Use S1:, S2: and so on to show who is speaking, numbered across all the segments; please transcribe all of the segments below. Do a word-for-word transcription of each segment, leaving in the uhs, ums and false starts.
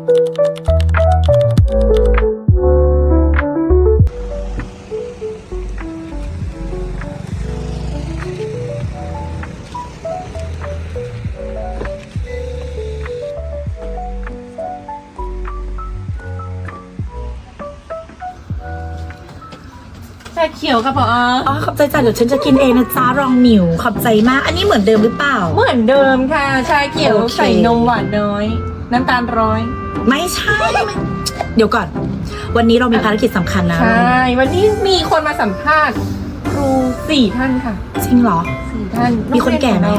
S1: ชาเขียวค่ะพอ
S2: อ๋อขอบใจจ้ะเดี๋ยวฉันจะกินเองนะจ๊ะรองหมิวขอบใจมากอันนี้เหมือนเดิมหรือเปล่า
S1: เหมือนเดิมค่ะชาเขียว
S2: โอเค
S1: ใส่นมหวานน้อยน้ำตาลร้อย
S2: ไม่ใช่เดี๋ยวก่อนวันนี้เรามีภารกิจสำคัญนะ
S1: ใช่วันนี้มีคนมาสัมภาษณ์ครูสี่ท่านค่ะ
S2: จริงเหรอ
S1: สี่ท่าน
S2: มีคนแก่ไหม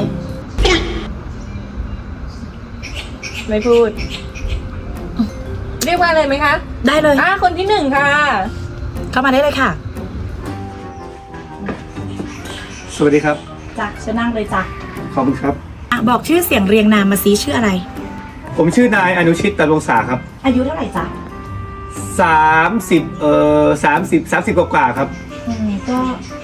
S1: ไม่พูด เรียกว่าอะไรไหมคะ
S2: ได้เลย
S1: อ่ะคนที่หนึ่งค่ะ
S2: เข้ามาได้เลยค่ะ
S3: สวัสดีครับ
S2: จ้ะฉันนั่งเลยจ้ะ
S3: ขอบคุณครับ
S2: อ่ะบอกชื่อเสียงเรียงนามมาซิชื่ออะไร
S3: ผมชื่อนายอนุชิตตะวงศาครับ
S2: อายุเท่าไหร่จ๊ะ
S3: สามสิบเอ่อสามสิบสามสิบกว่าๆครับ
S2: อืมก็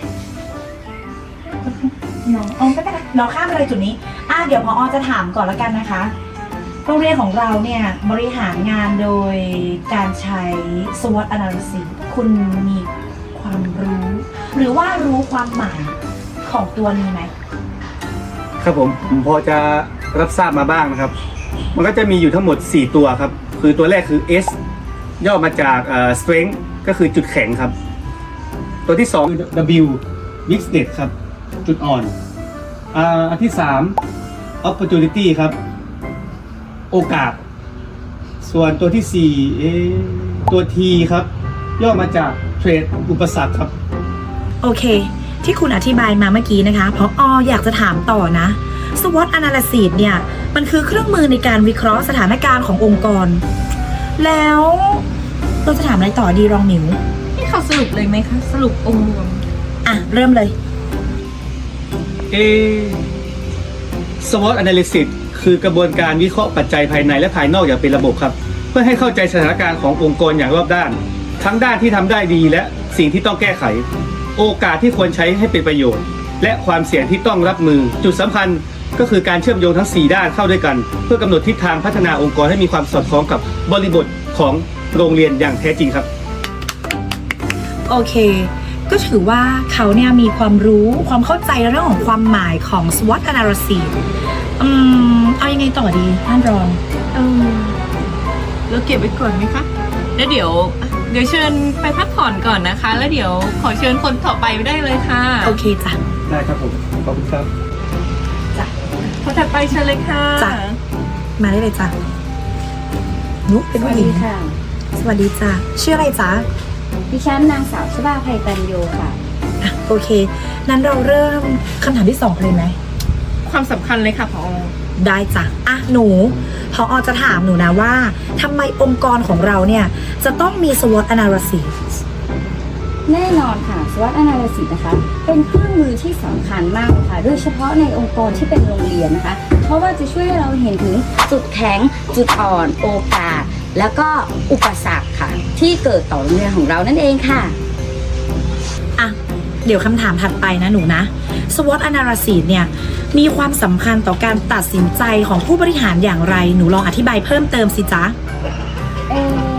S2: น้องอ๋อไม่เป็นไรเราข้ามไปเลยจุดนี้อ่ะเดี๋ยวพอจะถามก่อนแล้วกันนะคะโรงเรียนของเราเนี่ยบริหารงานโดยการใช้ สวอต Analysis คุณมีความรู้ หรือว่ารู้ความหมายของตัวนี้ไหม
S3: ครับผมผมพอจะรับทราบมาบ้างนะครับมันก็จะมีอยู่ทั้งหมดสี่ตัวครับคือตัวแรกคือ S ย่อมาจากเอ่อ strength ก็คือจุดแข็งครับตัวที่สองคือ W weakness ครับจุดอ่อนอ่าอันที่สาม opportunity ครับโอกาสส่วนตัวที่สี่เอตัว T ครับย่อมาจาก trade อุปสรรคครับ
S2: โอเคที่คุณอธิบายมาเมื่อกี้นะคะเพราะออยากจะถามต่อนะ สวอต Analysis เนี่ยมันคือเครื่องมือในการวิเคราะห์สถานการณ์ขององค์กรแล้วเราจะถามอะไรต่อดีรองหมิว
S1: นี่เขาสรุปเลยไหมคะสรุปองค์รวม
S2: อ่ะเริ่มเลย
S3: เอ สวอต Analysis คือกระบวนการวิเคราะห์ปัจจัยภายในและภายนอกอย่างเป็นระบบครับเพื่อให้เข้าใจสถานการณ์ขององค์กรอย่างรอบด้านทั้งด้านที่ทำได้ดีและสิ่งที่ต้องแก้ไขโอกาสที่ควรใช้ให้เป็นประโยชน์และความเสี่ยงที่ต้องรับมือจุดสำคัญก็คือการเชื่อมโยงทั้งสี่ด้านเข้าด้วยกันเพื่อกำหนดทิศทางพัฒนาองค์กรให้มีความสอดคล้องกับบริบทของโรงเรียนอย่างแท้จริงครับ
S2: โอเคก็ถือว่าเขาเนี่ยมีความรู้ความเข้าใจเรื่องของความหมายของ สวอต Analysis อืมเอายังไงต่อดีท่านรอง
S1: เออเราเก็บไว้ก่อนไหมคะแล้วเดี๋ยวเดี๋ยวเชิญไปพักผ่อนก่อนนะคะแล้วเดี๋ยวขอเชิญคนต่อไปไปได้เลยค่ะ
S2: โอเคจ้ะ
S3: ได้ครับผมขอบคุณครับ
S2: จ้ะ
S1: คนถัดไปเชิญเลยค่ะ
S2: จ้ะมาได้เลยจ้ะนุ๊กเป็นผู้หญิง
S4: ค่ะ
S2: สวัสดีจ้ะชื่ออะไรจ๊ะ
S4: ดิฉันนางสาวชบาไพตัญโยค่ะ
S2: อ่ะโอเคนั้นเราเริ่มคำถามที่สองเลยไหม
S1: ความสำคัญเลยค่ะผอ.
S2: ได้จ้ะอ่ะหนูผอ.จะถามหนูนะว่าทำไมองค์กรของเราเนี่ยจะต้องมี สวอต Analysis
S4: แน่นอนค่ะ สวอต Analysis นะคะเป็นเครื่องมือที่สำคัญมากค่ะโดยเฉพาะในองค์กรที่เป็นโรงเรียนนะคะเพราะว่าจะช่วยให้เราเห็นถึงจุดแข็งจุดอ่อนโอกาสแล้วก็อุปสรรคค่ะที่เกิดต่อโรงเรียนของเรานั่นเองค่ะ
S2: อ่ะเดี๋ยวคำถามถัดไปนะหนูนะ สวอต Analysis เนี่ยมีความสำคัญต่อการตัดสินใจของผู้บริหารอย่างไรหนูลองอธิบายเพิ่มเติมสิจ๊ะ
S4: เอ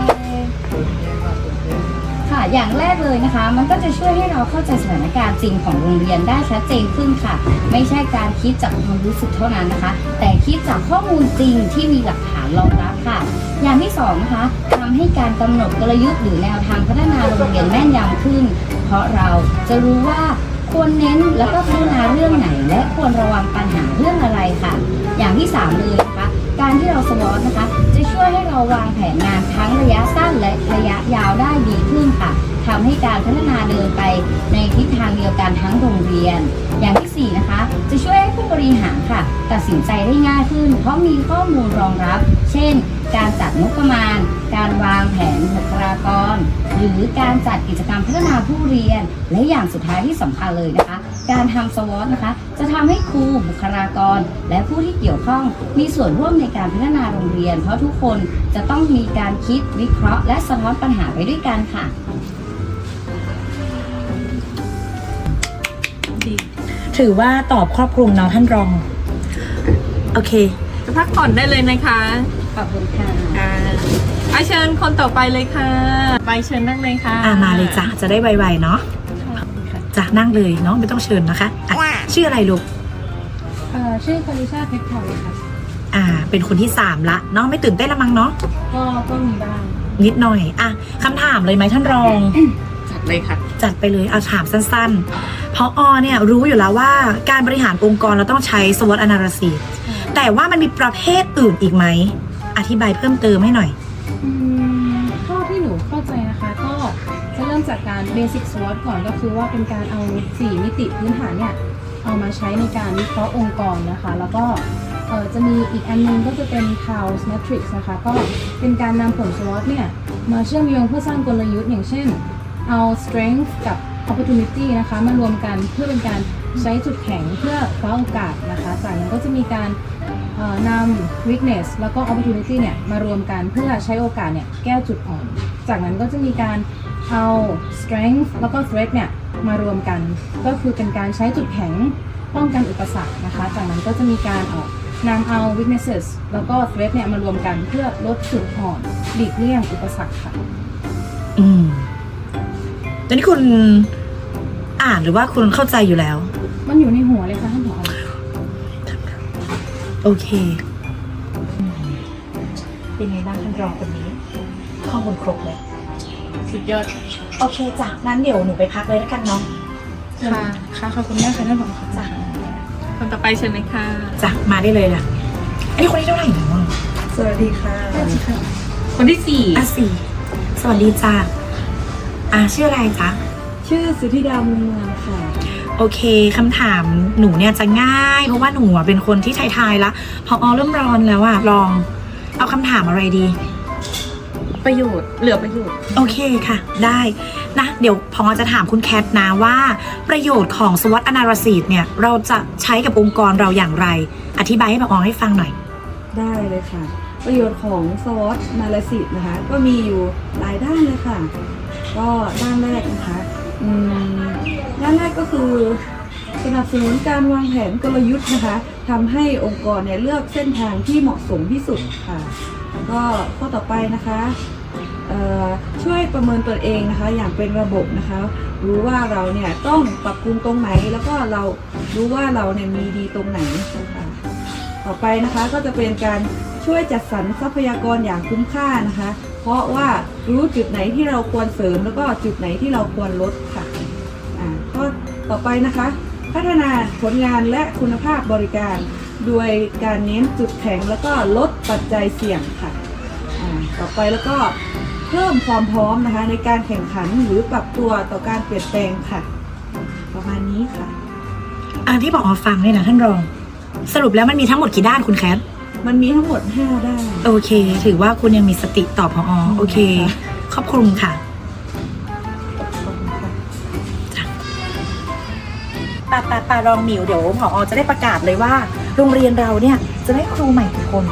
S4: ค่ะอย่างแรกเลยนะคะมันก็จะช่วยให้เราเข้าใจสถานการณ์จริงของโรงเรียนได้ชัดเจนขึ้นค่ะไม่ใช่การคิดจากความรู้สึกเท่านั้นนะคะแต่คิดจากข้อมูลจริงที่มีหลักฐานรองรับค่ะอย่างที่สองนะคะทำให้การกำหนดกลยุทธ์หรือแนวทางพัฒนาโรงเรียนแม่นยำขึ้นเพราะเราจะรู้ว่าควรเน้นแล้วก็พัฒนาเรื่องไหนและควรระวังปัญหาเรื่องอะไรค่ะอย่างที่สามเลยนะคะการที่เรา สวอต นะคะจะช่วยให้เราวางแผนงานทั้งระยะสั้นและระยะยาวได้ดีขึ้นค่ะทำให้การพัฒนาเดินไปในทิศทางเดียวกันทั้งโรงเรียนอย่างที่สี่นะคะจะช่วยให้ผู้บริหารค่ะตัดสินใจได้ง่ายขึ้นเพราะมีข้อมูลรองรับเช่นการจัดงบประมาณการวางแผนบุคลากรหรือการจัดกิจกรรมพัฒนาผู้เรียนและอย่างสุดท้ายที่สำคัญเลยนะคะการทำ สวอต นะคะจะทำให้ครูบุคลากรและผู้ที่เกี่ยวข้องมีส่วนร่วมในการพัฒนาโรงเรียนเพราะทุกคนจะต้องมีการคิดวิเคราะห์และสะท้อนปัญหาไปด้วยกันค่ะ
S2: ถือว่าตอบครอบคลุมเนาะท่านรองโอเค
S1: จะพักผ่อนได้เลยนะคะ
S4: ขอบคุณค่ะ
S1: ค่ะอ่ะเชิญคนต่อไปเลยค่ะ ไปเชิญนั่งเลยค่ะ
S2: อ่ามาเลยจ้ะจะได้ไวๆเนาะจ้ะนั่งเลยเนาะไม่ต้องเชิญนะคะอ่ะชื่ออะไรลูก
S5: เอ่อชื่อคาริชาเพชรพลอยค่ะ
S2: อ่า เป็นคนที่สามละเนาะไม่ตื่นเต้นละมั้งเนาะ
S5: ก็ก็มีบ้าง
S2: นิดหน่อยอ่ะคำถามเลยไหมท่านรอง
S1: จัดเลยค่ะ
S2: จัดไปเลยเอาถามสั้นๆ เพราะอเนี่ยรู้อยู่แล้วว่าการบริหารองค์กรเราต้องใช้ สวอต analysis แต่ว่ามันมีประเภทอื่นอีกไหม อธิบายเพิ่มเติมให้หน่อย
S5: อืมเท่าที่หนูเข้าใจนะคะ ก็จะเริ่มจากการ Basic SWOT ก่อนก็คือว่าเป็นการเอาสี่มิติพื้นฐานเนี่ยเอามาใช้ในการวิเคราะห์องค์กรนะคะ แล้วก็เอ่อจะมีอีกอันนึงก็จะเป็น House Matrix นะคะ ก็เป็นการนำผล SWOT เนี่ยมาเชื่อมโยงเพื่อสร้างกลยุทธ์อย่างเช่น เอา Strength กับ Opportunity นะคะมารวมกันเพื่อเป็นการใช้จุดแข็งเพื่อคว้าโอกาสนะคะ จากนั้นก็จะมีการเอ่อนำ weakness แล้วก็ opportunity เนี่ยมารวมกันเพื่อใช้โอกาสเนี่ยแก้จุดอ่อน จากนั้นก็จะมีการเอา strength แล้วก็ threat เนี่ยมารวมกัน ก็คือเป็นการใช้จุดแข็งป้องกันอุปสรรคนะคะ จากนั้นก็จะมีการเอ่อนำเอา weaknesses แล้วก็ threat เนี่ยมารวมกันเพื่อลดจุดอ่อนหลีกเลี่ยงอุปสรรคค่ะ
S2: อืมตอนนี้คุณอ่านหรือว่าคุณเข้าใจอยู่แล้ว
S5: มันอยู่ในหัวเลยค่ะท่านผอ
S2: โอเคเป็นไงบ้างท่านรองคนนี้ ข้อมูลครบเลย
S1: สุดยอด
S2: โอเคจ้ะงั้นเดี๋ยวหนูไปพักเลยแล้วกันเนาะ
S5: ค่ะ ค่ะ ขอบคุณมากค่ะท่านผอค่ะ
S2: จ้ะ
S1: คนต่อไปเชิญเลยค่ะ
S2: จ้ะมาได้เลยล่ะไอ้ยคนนี้เท่าไหร่เนาะ
S6: สวัสดีค่ะ
S1: คนที่สี่
S2: อ่ะสี่สวัสดีจ้ะอ่ะชื่ออะไรจ๊ะ
S6: ชื่อสุธิดามุงเมืองค่ะ
S2: โอเคคำถามหนูเนี่ยจะง่าย เพราะว่าหนูอะเป็นคนที่ทายๆละพออเริ่มร้อนแล้วอะลอง เอาคำถามอะไรดี
S1: ประโยชน์ เหลือประโยชน์
S2: โอเคค่ะ ได้นะเดี๋ยวพอจะถามคุณแคทนะว่าประโยชน์ของ สวอต analysis เนี่ยเราจะใช้กับองค์กรเราอย่างไร อธิบายให้พอให้ฟังหน่อย
S6: ได้เลยค่ะ ประโยชน์ของ สวอต Analysis นะคะ ก็มีอยู่หลายด้านเลยค่ะ ก็ด้านแรกนะคะอืมด้านแรกก็คือสนับสนุนการวางแผนกลยุทธ์นะคะทำให้องค์กรเนี่ยเลือกเส้นทางที่เหมาะสมที่สุดค่ะ แล้วก็ข้อต่อไปนะคะเอ่อช่วยประเมินตัวเองนะคะ อย่างเป็นระบบนะคะ รู้ว่าเราเนี่ยต้องปรับปรุงตรงไหน แล้วก็เรารู้ว่าเราเนี่ยมีดีตรงไหนนะคะต่อไปนะคะก็จะเป็นการช่วยจัดสรรทรัพยากรอย่างคุ้มค่านะคะ เพราะว่ารู้จุดไหนที่เราควรเสริมแล้วก็จุดไหนที่เราควรลดค่ะอ่าข้อต่อไปนะคะ พัฒนาผลงานและคุณภาพบริการ โดยการเน้นจุดแข็งแล้วก็ลดปัจจัยเสี่ยงค่ะอ่าต่อไปแล้วก็เพิ่มความพร้อมนะคะในการแข่งขันหรือปรับตัวต่อการเปลี่ยนแปลงค่ะ ประมาณนี้ค่ะ
S2: อ่ะที่บอกมาฟังเนี่ยนะท่านรอง สรุปแล้วมันมีทั้งหมดกี่ด้านคุณแคท
S6: มันมีทั้งหมดห้าด้าน
S2: โอเค ถือว่าคุณยังมีสติตอบพอโอเค ขอบคุณค่ะ
S6: ขอบคุณค่ะ
S2: ป่าป่าป่ารองหมิวเดี๋ยวผอจะได้ประกาศเลยว่า โรงเรียนเราเนี่ยจะได้ครูใหม่กี่คน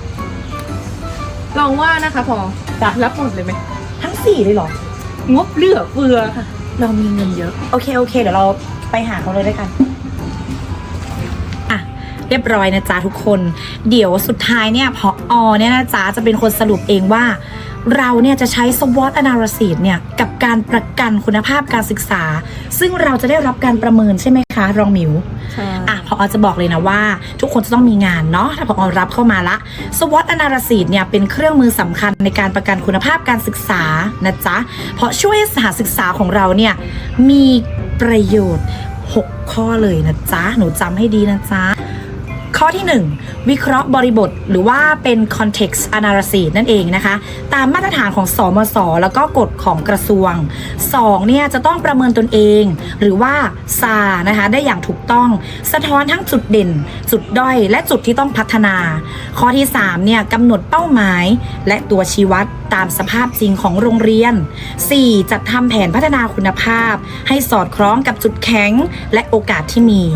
S1: ลองว่านะคะพอจะรับหมดเลยไหม
S2: ทั้งสี่เลยเหรอ
S1: งบเหลือเฟือค่ะ
S2: เรามีเงินเยอะ โอเค โอเค เดี๋ยวเราไปหาเขาเลยด้วยกัน อ่ะ เรียบร้อยนะจ๊ะทุกคน เดี๋ยวสุดท้ายเนี่ยพออเนี่ยนะจ๊ะจะเป็นคนสรุปเองว่า เราเนี่ยจะใช้ สวอต analysis เนี่ยกับการประกันคุณภาพการศึกษา ซึ่งเราจะได้รับการประเมินใช่ไหมคะรองหมิว
S1: ใช่
S2: อ่ะพอจะบอกเลยนะว่าทุกคนจะต้องมีงานเนาะถ้าพอรับเข้ามาละ สวอต analysis เนี่ยเป็นเครื่องมือสำคัญในการประกันคุณภาพการศึกษานะจ๊ะเพราะช่วยให้สถานศึกษาของเราเนี่ยมีประโยชน์หกข้อเลยนะจ๊ะหนูจำให้ดีนะจ๊ะข้อที่หนึ่งวิเคราะห์บริบทหรือว่าเป็น context analysis นั่นเองนะคะตามมาตรฐานของสมศแล้วก็กฎของกระทรวงสองเนี่ยจะต้องประเมินตนเองหรือว่า ซา นะคะได้อย่างถูกต้องสะท้อนทั้งจุดเด่นจุดด้อยและจุดที่ต้องพัฒนาข้อที่สามเนี่ยกำหนดเป้าหมายและตัวชี้วัดตามสภาพจริงของโรงเรียนสี่จัดทำแผนพัฒนาคุณภาพให้สอดคล้องกับจุดแข็งและโอกาสที่มี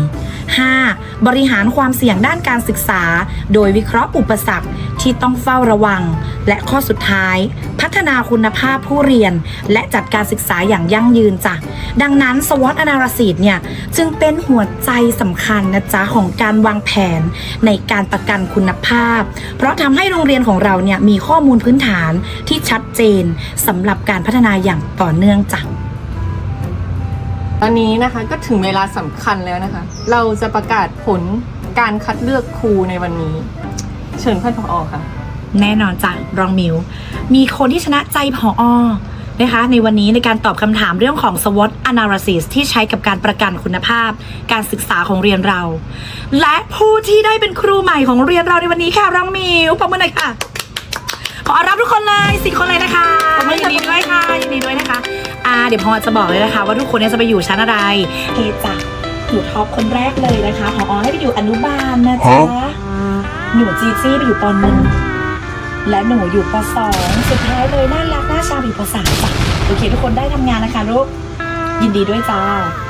S2: ห้า บริหารความเสี่ยงด้านการศึกษา โดยวิเคราะห์อุปสรรคที่ต้องเฝ้าระวัง และข้อสุดท้าย พัฒนาคุณภาพผู้เรียน และจัดการศึกษาอย่างยั่งยืนจ้ะดังนั้น SWOT Analysis เนี่ยจึงเป็นหัวใจสำคัญนะจ๊ะของการวางแผนในการประกันคุณภาพ เพราะทำให้โรงเรียนของเราเนี่ยมีข้อมูลพื้นฐานที่ชัดเจนสำหรับการพัฒนาอย่างต่อเนื่องจ้ะ
S1: ตอนนี้นะคะก็ถึงเวลาสำคัญแล้วนะคะ เราจะประกาศผลการคัดเลือกครูในวันนี้ เชิญท่านผอ.ค่ะ
S2: แน่นอนจ้ะรองมิว มีคนที่ชนะใจผอ.นะคะในวันนี้ในการตอบคำถามเรื่องของ SWOT Analysis ที่ใช้กับการประกันคุณภาพการศึกษาของเรียนเรา และผู้ที่ได้เป็นครูใหม่ของเรียนเราในวันนี้ค่ะรองมิวปรบมือหน่อยค่ะขอรับทุกคนเลยสี่คนเลยนะคะยินดีด้วยค่ะยินดีด้วยนะคะอ่าเดี๋ยวพอจะบอกเลยนะคะว่าทุกคนเนี่ยจะไปอยู่ชั้นอะไรเฮจ้ะหนูท็อปคนแรกเลยนะคะผอให้ไปอยู่อนุบาลนะจ๊ะหนูจีจี้ไปอยู่ปหนึ่งและหนูอยู่ปสองสุดท้ายเลยน่ารักน่าชาอยู่ปสามจ้ะโอเคทุกคนได้ทำงานนะคะลูกยินดีด้วยจ้า